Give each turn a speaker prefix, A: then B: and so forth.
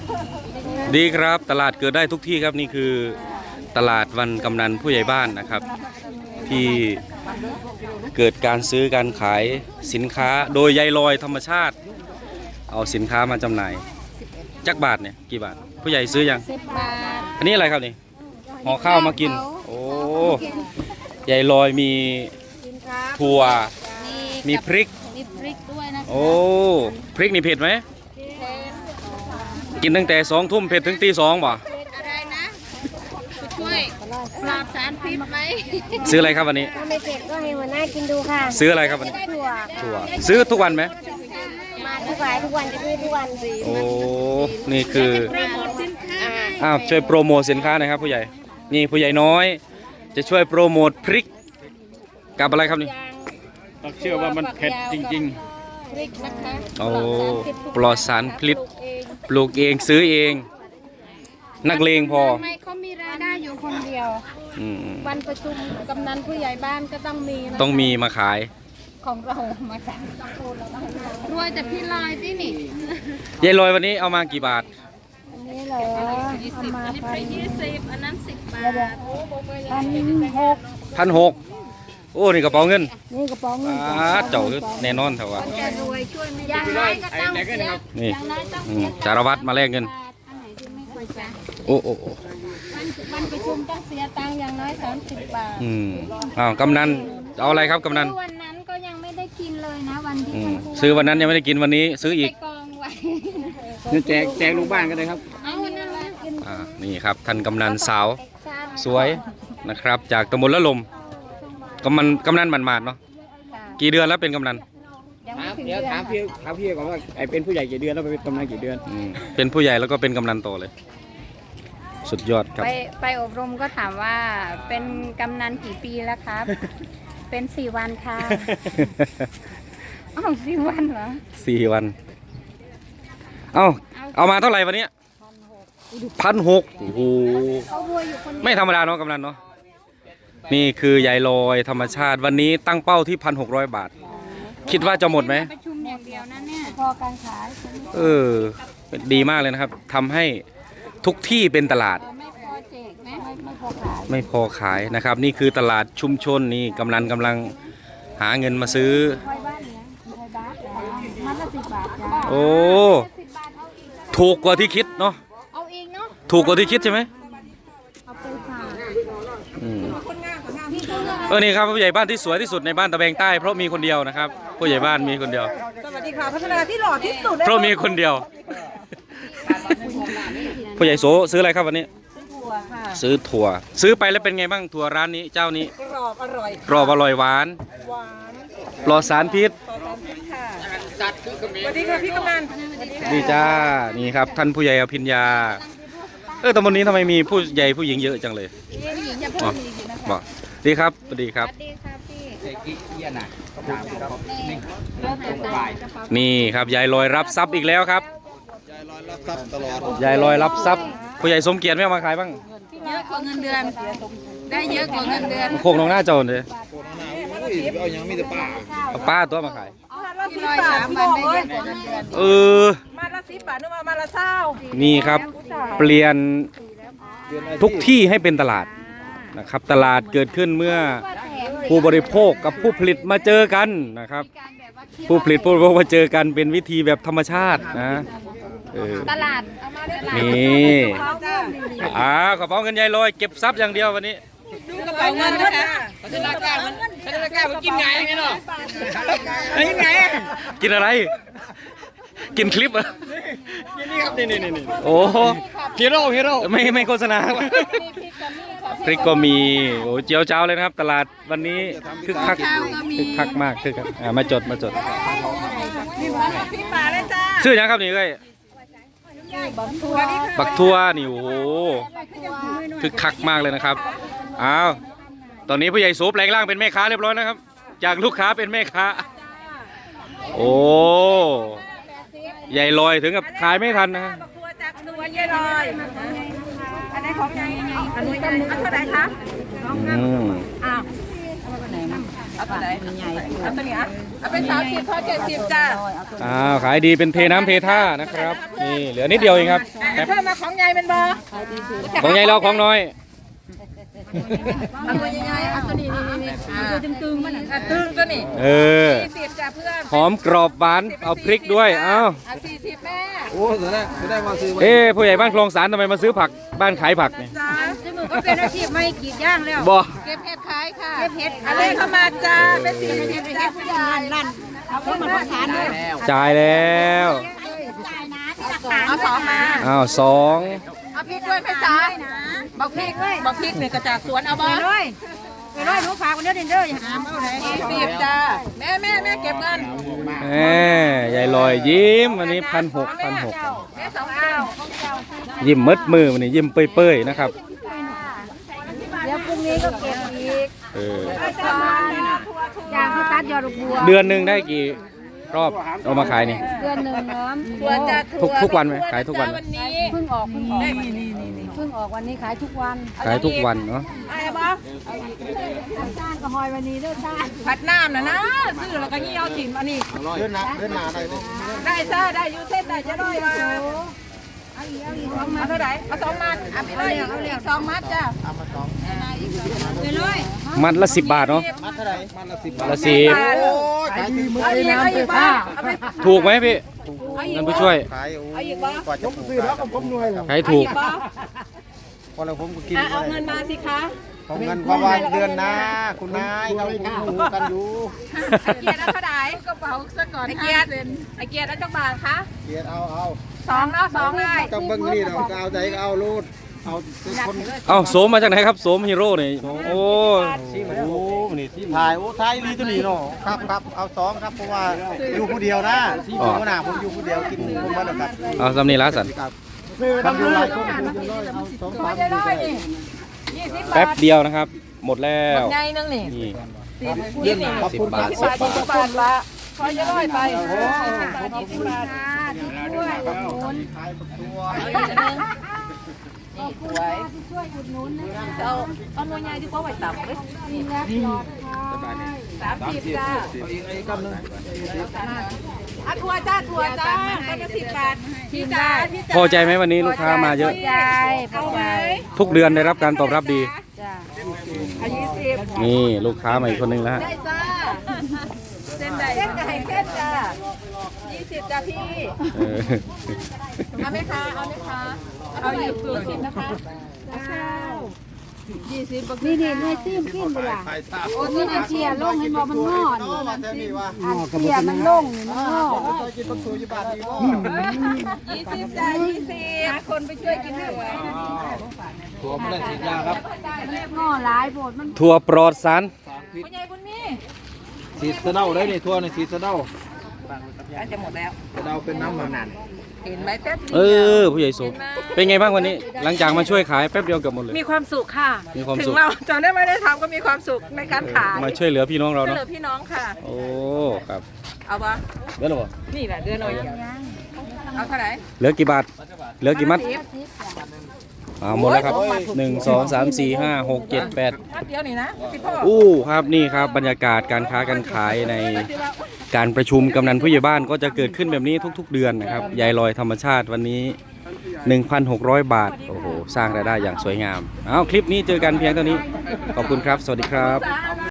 A: ดีครับตลาดเกิดได้ทุกที่ครับนี่คือตลาดวันกำนันผู้ใหญ่บ้านนะครับ ที่เกิดการซื้อการขายสินค้าโดยยายลอยธรรมชาติ เอาสินค้ามาจำหน่ายจักบาทเนี่ยกี่บาทผู้ใหญ่ซื้อยัง
B: 10 บาท
A: อันนี้อะไรครับนี่ห่อข้าวมากินโอ้ยายลอยมีถั่วมีพริก
B: ด้วยนะ
A: โอ้พริกนี่เผ็ดไหมกินตั้งแต่2 ทุ่มเผ็ดถึงตี 2บ่
B: อะไรนะช่วยปราบสารพิษไหม
A: ซื้ออะไรครับวันนี้
B: ถ้าไม่เผ็ดก็ให้หัวหน้ากินดูค่ะ
A: ซื้ออะไรครับวันนี้ถั่วซื้อทุกวันไหม
B: มาทุกวันจะซื้อทุกวัน
A: โอ้นี่คือช่วยโปรโมทสินค้าหน่อยครับผู้ใหญ่นี่ผู้ใหญ่น้อยจะช่วยโปรโมทพริกกับอะไรครับนี่
C: เชื่อว่ามันเผ็ดจริง
B: พริกนะคะ
A: โอ้ปลอดสารพิษปลูกเองซื้อเองนักเลงพอ
B: ไม่เขามีรายได้อยู่คนเดียววันประชุมกำนันผู้ใหญ่บ้านก็ต้องมี
A: มาขาย
B: ของเรามาขายรวยแต่พี่ลอยที่นี่
A: ยายลอยวันนี้เอามากี่บาท
B: อันนี้เหรอเอามา20อันนั้น10 บาท
A: 1,600โอ้นี่กระเป๋าเงิน
B: นี่กระเป๋าเงิน
A: เจ้าแน่นอนเถอะวะ
B: อย่างน้อยก็ต้อง
A: นี่สารวัตรมาแลกเงินโอ้
B: วันประชุมต้องเสียตังค์อย่างน้อย30 บาท
A: กำนันเอาอะไรครับกำนัน
B: วันนั้นก็ยังไม่ได้กินเลยนะวันที่
A: ซื้อวันนั้นยังไม่ได้กินวันนี้ซื้ออีก
B: กองไว้
C: นี่แจกลูกบ้านกันเลยครับ
B: เอาวันนั้นเลย
A: นี่ครับท่านกำนันสาวสวยนะครับจากตำบลละลมกำนันหมาดๆเนาะกี่เดือนแล้วเป็นกำนัน
C: เดี๋ยวถามพี่ก่อนว่าไอเป็นผู้ใหญ่กี่เดือนแล้วเป็นกำนันกี่เดือน
A: เป็นผู้ใหญ่แล้วก็เป็นกำนันโตเลยสุดยอดครับ
B: ไปอบรมก็ถามว่าเป็นกำนันกี่ปีแล้วครับเป็น4 วันค่ะ4 วันเหรอ
A: 4 วันเอามาเท่าไหร่วันนี้1,600โอ้โหไม่ธรรมดาเนาะกำนันเนาะนี่คือยายลอยธรรมชาติวันนี้ตั้งเป้าที่1,600 บาทคิดว่าจะหมดไหม
B: ประชุมอย่างเดียวนะเนี่ยพอการขาย
A: ดีมากเลยนะครับทำให้ทุกที่เป็นตลาดไม่พอขายนะครับนี่คือตลาดชุมชนนี่กำลังหาเงินมาซื้อโอ้ถูกกว่าที่คิดเนาะถูกกว่าที่คิดใช่ไหมนี่ครับผู้ใหญ่บ้านที่สวยที่สุดในบ้านตะแบงใต้เพราะมีคนเดียวนะครับผู้ใหญ่บ้านมีคนเดียว
D: สวัสดีค่ะพัฒนาที่หล่อที่สุด
A: เพราะมีคนเดียวผู้ใหญ่โสซื้ออะไรครับวันนี้ซื้อถั่วซื้อไปแล้วเป็นไงบ้างถั่วร้านนี้เจ้านี้
D: กรอบอร่อย
A: หวานปลอดสารพิษ
D: สวัสดีค่ะพี่กำนัน
A: ดีจ้านี่ครับท่านผู้ใหญ่อภิญญาตำบลนี้ทำไมมีผู้ใหญ่ผู้หญิงเยอะจังเลยบอกดีครับสวัสดีครับนี่ครับยายลอยรับทรัพย์อีกแล้วครับยายลอยรับทรัพย์ผู้ใหญ่สมเกียรติไม่เอามาขายบ้าง
B: เยอะกว่าเงินเดือนได้เยอะกว่าเงินเดือน
A: โคกน้องหน้าโจรเลย
C: เอายังมีแต่
A: ป้าตัวมาขาย
D: มาละ10 บาทนึกว่ามาละ20
A: นี่ครับเปลี่ยนทุกที่ให้เป็นตลาดนะครับตลาดเกิดขึ้นเมื่อผู้บริโภคกับผู้ผลิตมาเจอกันนะครับผู้ผลิตผู้บริโภคมาเจอกันเป็นวิธีแบบธรรมชาตินะ
B: ตลาด
A: นี่กระเป๋าเงินยายลอยเก็บทรัพย์อย่างเดียววันนี้
D: ดูกระเป๋าเงินนะคะ
C: พัฒนาการมันกินไงไงเนาะ
D: ยังไง
A: กินอะไรกินคลิปอ่ะ
C: นี่ครับนี่
A: โอ้
C: ฮีโร่
A: ไม่โฆษณาพริกก็มีโอ้เจียวเจ้าเลยนะครับตลาดวันนี้คึกคักมากคึกคักมาจดชื่อยังครับนี่เอ้ยบักทั่วนี่โอ้โหคึกคักมากเลยนะครับตอนนี้ผู้ใหญ่โสแปลงร่างเป็นแม่ค้าเรียบร้อยนะครับจากลูกค้าเป็นแม่ค้าโอ้ใหญ่ลอยถึงกับขายไม่ทันนะ
D: ตัวจากตัวยายลอยอันไหนของยายอันนี้เท่าไหร่คะเอาเอาตัวไหนเอาตัวนี้อ่ะเอาเป็น30พอ70จ้า
A: ขายดีเป็นเทน้ำเทท่านะครับนี่เหลือนิดเดียวเองครับ
D: เพิ่มมาของใหญ่เป็นบ่
A: ของใหญ่เราของน้อย
D: เอาตัวใหญ่ๆเอาตัวนี้นี่ตัวตึงๆมันตึงตัวนี้ 40จ้าเพื่อน
A: หอมกรอบหวานเอาพริกด้วยเอา
D: 40แม่
C: โอ้จะได้มาซื้อ
A: ผู้ใหญ่บ้านคลองสารทำไมมาซื้อผักบ้านขายผักเนี่ย
D: จ้า
B: จมูกก็เป็นอาชีพไม่กรีดย่างแล้ว
A: บ่
D: เก็บเห็ดขายค่ะเก็บเห็ดอะไรเข้ามาจ้าเป็น40จ้าผู้ใหญ่ลั่นเอาเพิ่มมาทานด้วย
A: จ่ายแล้ว
D: เอา2มา
A: อ้าวสอง
D: เอาพริกด้วยแม่จ๋าบอกพริกเนี่ยกระจากสวนเอาบ่
B: ไปร้อยลูกค้าคนเดียวเด้ออย่าหามเอาไหน
D: 40จ้าแม่เก็บเงิน
A: ยายลอยยิ้มวันนี้1,600
D: แม่2เอา
A: ยิ้มมืดมือวันนี้ยิ้มเปื่อยๆนะครับ
B: เดี๋ยวพรุ่งนี้ก็เก็บอีกอย่างเขาตัดยอดบัว
A: เดือนหนึ่งได้กี่รอบเอามาขายนี่
B: เดือนหนึ่งน้
D: ถั่วจ้า
A: ทุกวันไหมขายทุกวันไหม
D: วันนี้
B: ำเพิ่งออกเพิ่งออกวันนี้ขายทุกวัน
A: ขายทุกวันเนาะ
D: อะไรบ้าง
B: จ้างก็หอยวันนี้เด้อจ้า
D: ผัดน้ำนะซื้อแล้วก็ยี่เอาถิ่นอันนี้
C: เดินหนาได้ไหม
D: ได้จ้าได้ยูเส้นได้จะได้มาเอาเท่าไหร่เอา2 มัดเอาไปเลยเอาเหลี่ยม2 มัดจ้า
B: ไปเลย
A: มัดละ10 บาทเนาะ
C: มัดเท่าไหร่มัดละ10 บาท
A: ละ
C: โอ้ยขายดีมือ
D: เอาอีกเอาอีกบ้างเอาไป
A: 10ถูกไหมพี่ท่านผู้ช่วย
C: ขายโอ้ยกว่าจะซื้อแล้วก็ผมรวยแล้ว
A: ขายถูก
C: พอแล้วผมก็กิน
D: เอาเงินมาสิคะ
C: ของเงินประมาณเดือนนะคุณนายเราหูกันอยู่
D: ไอเกียร์เอาเท่าไหร่กระเป๋าซะก่อนไอเกียร์แล้วจักบาทคะ
C: เกียรเอา
D: 2เอา2ได้
C: ต้องเบิ่งนี่เราเอาใจก็เอาลูดเอาคน
A: เอาโสมมาจากไหนครับโสมฮีโร่นี่โอ้
C: โอ้นี่ที่ถ่ายโอ้ถ่ายลีตัวนี้เนาะครับเอา2ครับเพราะว่าอยู่ผู้เดียวนะหัวหน้าผมอยู่ผู้เดียวกินผมมาแล้วครับ
A: เอาสำนีละสัน
C: ทำอยู่หลายคนเอา2 3
D: จะได้นี่20 บาท
A: แป๊บเดียวนะครับ หมดแล้ว
D: ใหญ่นึงนี่
A: นี่
C: เยี่ยมขอบคุณ
A: 10 บาท
D: 10 บาทละพอจะร้อยไป20 บาท
B: ด้วย
C: ขายตัว
B: ช่วยอุดหนุนนะ
D: เอาหน่วยใหญ่ดีกว่าไว้ต่ำเลย
B: มีแลกหลอดค่ะ
D: 30จ้า
C: ไอ้กำนึง
D: อะถั่วจ้าก็จะ10 บาทพี่จ้า
A: พอใจไหมวันนี้ลูกค้ามาเยอะ
B: ยายพอใจ
A: ทุกเดือนได้รับการตอบรับดี
B: จ้า
D: เอา20
A: นี่ลูกค้ามาอีกคนนึงแล้วฮะ
D: ได้จ้าเส้นใดเส้นไก่เส้นจ้า20จ้าพี่
A: เออ
D: เอาไหมคะเอา20นะคะ
B: นี่นี่ให้ซิมกินดีล่ะโอ้นี่เชียร์ลงให้บอกมันงอนี่
C: มาแต่นี่ว่า
B: อันเชียร์มันลงนี่มันงอ
C: ซอยกินปักสูอยู่บ้านดีบ่
D: 20จ้า20หาคนไปช่วยกินด้วย
C: ตัวไม่ได้ฉีดยาครับ
B: งอหลายโบดมัน
A: ถั่วปลอดสาร
D: คุณยายบุญมี
C: ฉีดสะเดาได้นี่ทั่วนี่ฉีดสะเดา
D: อาจจะหมดแล้ว
C: สะเดาเป็นน้ำมันนั่น
D: เห็นไหมแป๊บ
A: ผู้ใหญ่โสมเป็นไงบ้างวันนี้ หลังจากมาช่วยขายแป๊บเดียวเกือบหมดเลย
D: มีความสุขค่ะ
A: มีความ
D: ถึ
A: สุข
D: งเราจะได้ไม่ได้ทำก็มีความสุขในการขาย
A: มาช่วยเหลือพี่น้องเรา
D: ช่วย
A: เนาะ
D: เหลือพี่น้องค่ะ
A: โอ้ครับ
D: เอาปะ
A: เหลือหรอ
D: นี่แหละเดือนหน่อยเอาเท่าไหร่
A: เหลือกี่บาทเหลือกี่มัดหมดแล้วครับ1 2 3 4 5 6 7 8
D: มัดเดียวนี่นะพี่พ่อ
A: อู้ครับนี่ครับบรรยากาศการค้าการขายในการประชุมกำนันผู้ใหญ่บ้านก็จะเกิดขึ้นแบบนี้ทุกๆเดือนนะครับยายลอยธรรมชาติวันนี้ 1,600 บาทโอ้โหสร้างรายได้อย่างสวยงามเอาคลิปนี้เจอกันเพียงเท่านี้ขอบคุณครับสวัสดีครับ
D: จ้า